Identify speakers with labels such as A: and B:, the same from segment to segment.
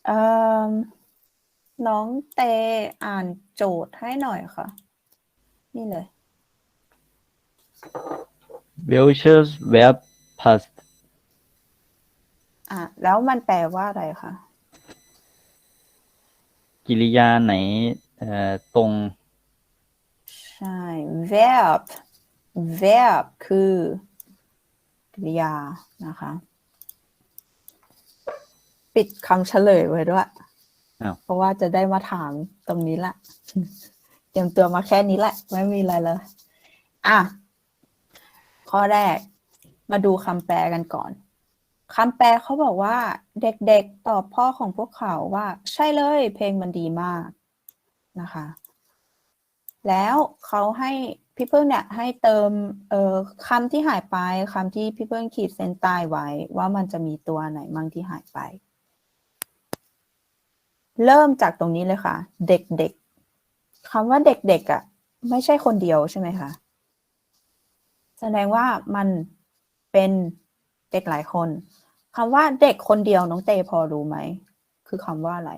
A: อ่อน้องเตอ่านโจทย์ให้หน่อยค่ะ นี่เลย
B: Welches Verb passt
A: แล้วมันแปลว่าอะไรคะ
B: กิริยาไหนตรง
A: ใช่ verb คือกริยานะคะ ปิดคำเฉลยไว้ด้วย เพราะว่าจะได้มาถามตรงนี้แหละ เตรียมตัวมาแค่นี้แหละ ไม่มีอะไรเลย ข้อแรก มาดูคำแปลกันก่อน คำแปลเขาบอกว่า เด็กๆตอบพ่อของพวกเขาว่า ใช่เลย เพลงมันดีมากนะคะ แล้วเขาให้พี่เพิ่งเนี่ยให้เติมคำที่หายไปคำที่พี่เพิ่งขีดเส้นใต้ไว้ว่ามันจะมีตัวไหนมั่งที่หายไป เริ่มจากตรงนี้เลยค่ะ เด็กๆคำว่าเด็กๆไม่ใช่คนเดียวใช่ไหมคะแสดงว่ามันเป็นเด็กหลายคนคำว่าเด็กคนเดียวน้องเตพอรู้ไหมคือคำว่าอะไร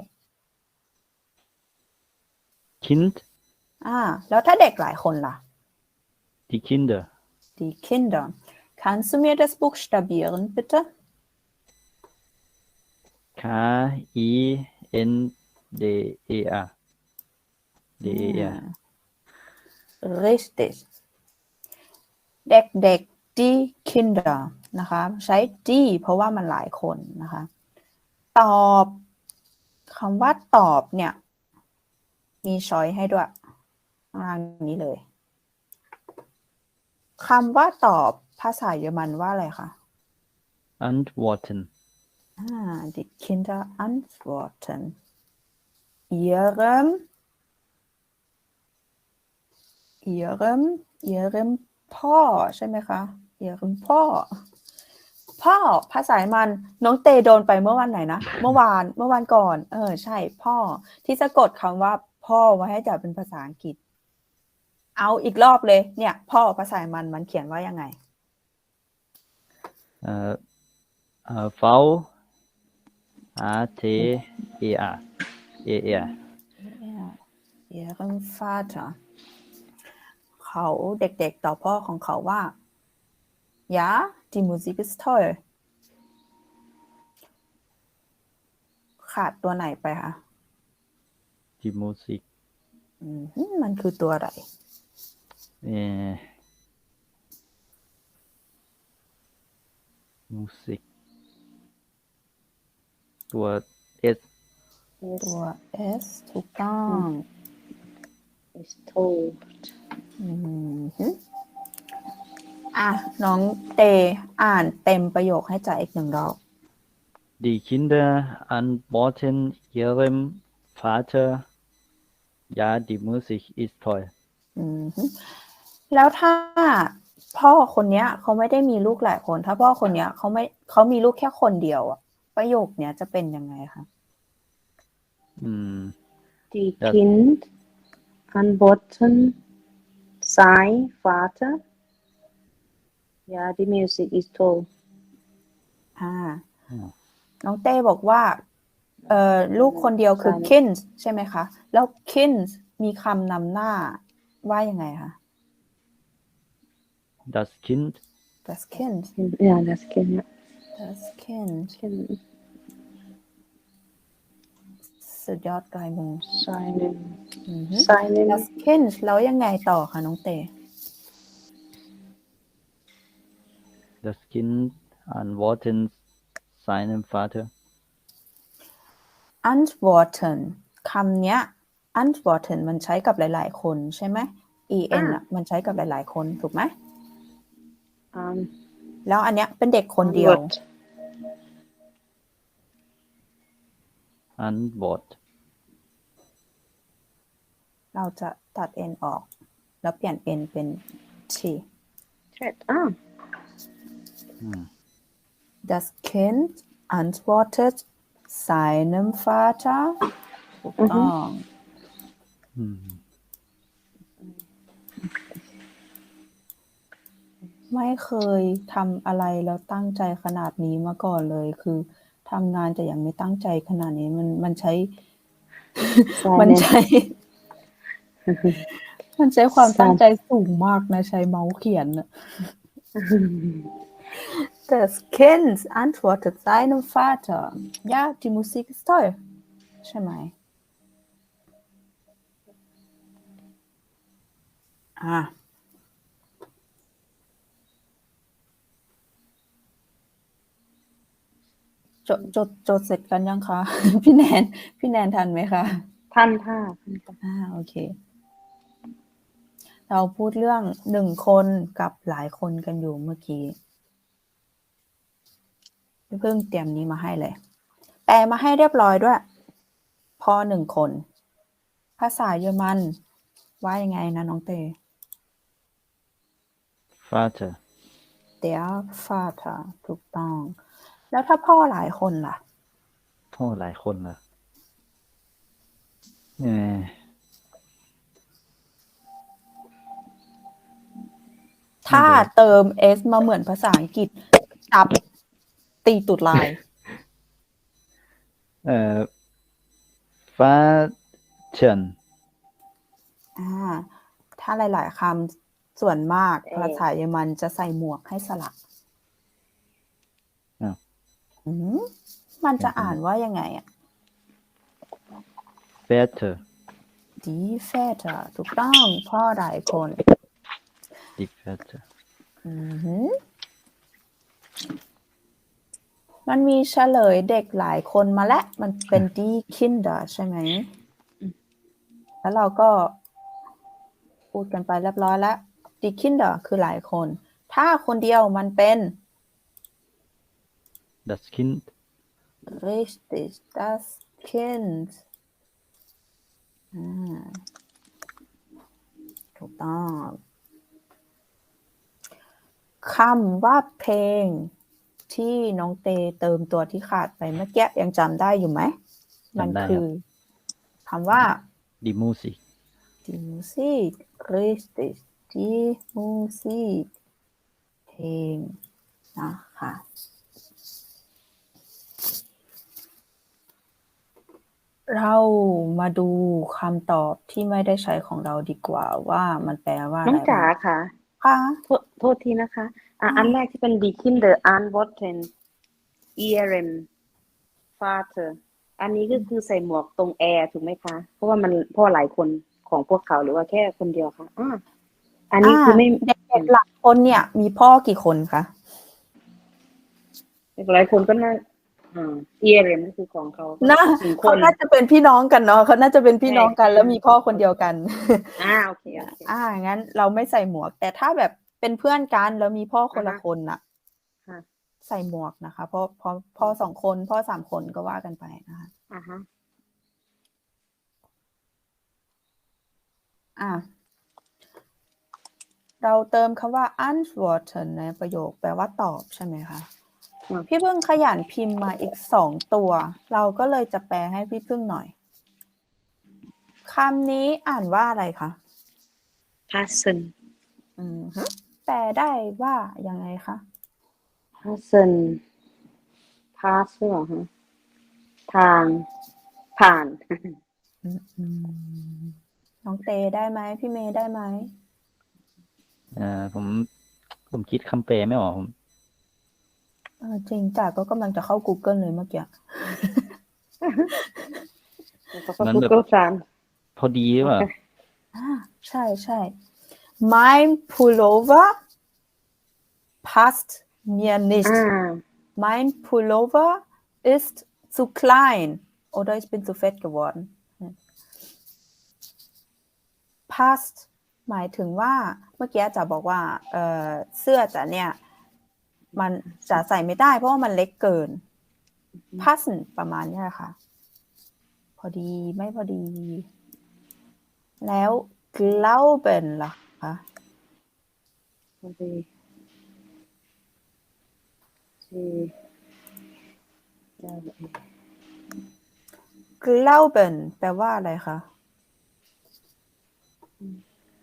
B: Kind
A: แล้วถ้าเด็กหลายคนล่ะ
B: die Kinder
A: Die Kinder Kannst du mir das buchstabieren bitte
B: Kinder der
A: Richtig เด็กๆ die Kinder นะคะใช้ die เพราะว่ามันหลายคนนะคะตอบคำว่าตอบเนี่ยมีช้อยให้ด้วยล่างนี้เลยคำว่าตอบภาษาเยอรมันว่าอะไรคะ
B: antworten
A: Die Kinder antworten ihrem พ่อใช่ไหมคะ ihrem พ่อภาษามันน้องเตโดนไปเมื่อวันไหนนะเมื่อวานก่อนใช่พ่อที่สะกดคำว่าพ่อไว้ให้จับเป็นภาษาอังกฤษเอาอีกรอบเลยเนี่ยพ่อภาษามันเขียนว่ายังไง
B: V A T E R
A: ihrem Vater เขาเด็กๆต่อพ่อของเขาว่า ja die Musik ist toll ขาดตัวไหนไปคะ
B: die Musik
A: มันคือตัวอะไร
B: Musik ตัว S
A: ตัว S ถูกต้อง
C: is told
A: น้องเตอ่านเต็มประโยคให้จ่าอีกหนึ่งรอบ
B: Die Kinder antworten ihrem Vater ja die Musik ist toll
A: แล้วถ้าพ่อคนนี้เขาไม่ได้มีลูกหลายคนถ้าพ่อคนนี้เขามีลูกแค่คนเดียวประโยคเนี้ยจะเป็นยังไงคะ
C: Die Kind antworten sein Vater ja die Musik ist toll
A: น้องเต้บอกว่าลูกคนเดียวคือ Kind ใช่ไหมคะแล้ว Kind มีคำนำหน้าว่ายังไงคะ
B: Das Kind
A: Das Kind
C: ja das Kind ja
A: Das Kind สุดยอดปลายมือ
C: seinen
A: Das Kind แล้วยังไงต่อคะน้องเต้
B: Das Kind antworten seinem Vater
A: antworten คำเนี้ย antworten มันใช้กับหลายๆคนใช่ไหม en มันใช้กับหลายๆคนถูกไหมแล้วอันเนี้ยเป็นเด็กคนเดียว
B: Antwort
A: เราจะตัด n ออกแล้วเปลี่ยน n เป็น t Das Kind antwortet seinem Vater ถูกต้องไม่เคยทำอะไรแล้วตั้งใจขนาดนี้มาก่อนเลยคือททำงานแต่ยังไม่ตั้งใจขนาดนี้มันใช้
C: Silent
A: มันใช้ มันใช้ความตั้งใจสูงมากนะใช้เมาส์เขียนน่ะ Das Kind antwortet seinem Vater: Ja, die Musik ist toll. ใช่ไหมอ่ะจดเสร็จกันยังคะ พี่แนนทันไหมคะ
C: ท่านท่า
A: โอเค เราพูดเรื่องหนึ่งคนกับหลายคนกันอยู่เมื่อกี้เพิ่งเตรียมนี้มาให้เลย แปลมาให้เรียบร้อยด้วย พอหนึ่งคน ภาษาเยอรมันว่ายังไงนะน้องเต
B: Vater
A: Der Vater ถูกต้อง แล้วถ้าพ่อหลายคนล่ะ
B: พ่อหลายคนเหรอ
A: ถ้าเติม s มาเหมือนภาษาอังกฤษจับตีตุดลาย
B: Vater
A: ถ้าหลายๆคำส่วนมากภาษาเยอรมันจะใส่หมวกให้สระ
B: อ้าว
A: มันจะอ่านว่ายังไงอ่ะ
B: Väter
A: Die Väter ถูกต้องพ่อหลายคน
B: die Väter
A: มันมีเฉลยเด็กหลายคนมาแล้วมันเป็น die Kinder ใช่ไหม แล้วเราก็พูดกันไปเรียบร้อยแล้ว die Kinder คือหลายคน ถ้าคนเดียวมันเป็น
B: das Kind
A: richtig das Kind ถูกต้องคำว่าเพลงที่น้องเตเติมตัวที่ขาดไปเมื่อกี้ยังจำได้อยู่ไหม มันคือคำว่า
B: die Musik
A: die Musik richtig die Musik เพลงนะคะเรามาดูคำตอบที่ไม่ได้ใช้ของเราดีกว่าว่ามันแปลว่าอะไร
C: น้องจ๋าค่ะ
A: ค่ะ
C: โทษทีนะคะ อันแรกที่เป็น die Kinder antworten ihrem Vater อันนี้ก็คือใส่หมวกตรงแอร์ถูกไหมคะ เพราะว่ามันพ่อหลายคนของพวกเขาหรือว่าแค่คนเดียวคะอันนี้คือไม่
A: เด็กๆหลักคนเนี่ยมีพ่อกี่คนคะ
C: หลายคนก็น่าihrem ก็คือของเขา
A: น่า
C: หนึ่งค
A: เขา
C: น
A: น่าจะเป็นพี่น้องกันเนาะเขาน่าจะเป็นพี่น้องกัน
C: ใช่
A: แล้วมีพ่อคนเดียวกัน
C: โอเค
A: งั้นเราไม่ใส่หมวก แต่ถ้าแบบเป็นเพื่อนกันแล้วมีพ่อคนละคนน่ะ
C: ค่ะ
A: ใส่หมวกนะคะ เพราะพ่อสองคนพ่อสามคนก็ว่ากันไปนะคะเราเติมคำว่า antworten ในประโยคแปลว่าตอบใช่ไหมคะ พี่พึ่งขยันพิมพ์มาอีก2 ตัว เราก็เลยจะแปลให้พี่พึ่งหน่อยคำนี้อ่านว่าอะไรคะ
C: passen
A: แปลได้ว่ายังไงคะ
C: passen pass เหรอฮะทางผ่าน
A: น้องเตได้ไหมพี่เมย์ได้ไหม
B: ผมคิดคำแปลไม่ออก
A: จริงจ้ะก็กำลังจะเข้า Google เลยเมื่อกี้
B: มันแบบ
C: Google Trans
B: พอดีหรือเปล่า
A: ใช่ Mein Pullover passt mir nicht Mein Pullover ist zu klein oder ich bin zu fett geworden passt หมายถึงว่าเมื่อกี้จะบอกว่าเสื้อจะเนี่ยมันจะใส่ไม่ได้เพราะว่ามันเล็กเกิน passen ประมาณนี้แหละค่ะพอดีไม่พอดีแล้ว glauben ล่ะคะ glauben แปลว่าอะไรคะ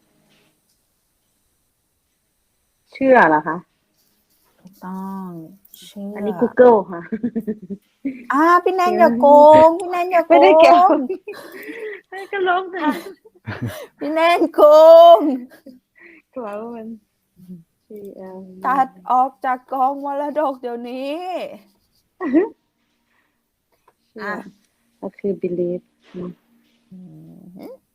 C: เชื่อเหรอคะ
A: ถูกต้องเชื่อ
C: อันนี้ Google ค่ะ
A: พี่แนนอย่าโกง พี่แนนอย่าโก
C: ไม่ได้เกี่ยว
A: ง
C: ให้ก็ลงค่ะ
A: พี่แนนโกง
C: กลัวว่ามัน
A: ตัดออกจากกองมรดกเดี๋ยวนี้
C: อ่ะก็คือ believe
A: อืม